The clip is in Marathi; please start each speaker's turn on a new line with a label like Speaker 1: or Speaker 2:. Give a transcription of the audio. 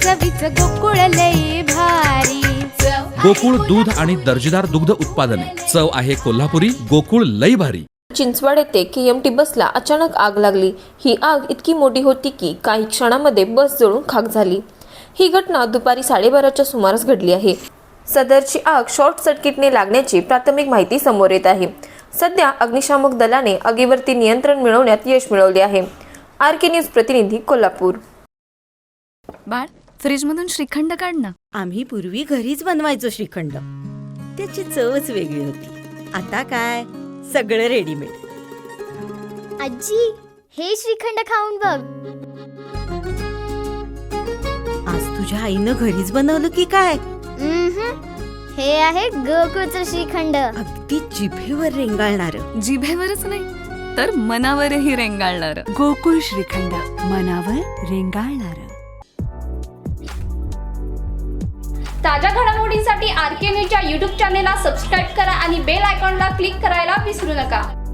Speaker 1: चवीचं गोकुळ लई भारी.
Speaker 2: गोकुळ दूध आणि दर्जेदार दुग्ध उत्पादने. चव आहे कोल्हापुरी. गोकुळ लई भारी.
Speaker 3: चिंचवड येथे KMT बसला अचानक आग लागली. ही आग इतकी मोठी होती की काही क्षणामध्ये बस जळून खाक झाली. ही घटना दुपारी 12:30च्या सुमारास घडली आहे. सदरची आग शॉर्ट सर्किटने लागण्याची प्राथमिक माहिती समोर येत आहे. सध्या अग्निशामक दलाने आगीवरती नियंत्रण मिळवण्यात यश मिळवले आहे. RK न्यूज प्रतिनिधी कोल्हापूर.
Speaker 4: बाळ, फ्रीजमधून श्रीखंड काढ ना.
Speaker 5: आम्ही पूर्वी घरीच बनवायचो श्रीखंड. त्याची चवच वेगळी होती. आता काय सगळं रेडीमेड.
Speaker 6: आजी, हे श्रीखंड खाऊन बघ.
Speaker 5: आज तुझ्या आईनं घरीच बनवलं की काय?
Speaker 6: हे आहे गोकुळचं श्रीखंड.
Speaker 5: अगदी जिभेवर रेंगाळणार.
Speaker 4: जिभेवरच नाही तर मनावरही रेंगाळणार. गोकुळ श्रीखंड, मनावर रेंगाळणार.
Speaker 7: ताज्या घडामोडींसाठी RK न्यूजच्या YouTube चॅनेलला सबस्क्राईब करा आणि बेल आयकॉनला क्लिक करायला विसरू नका.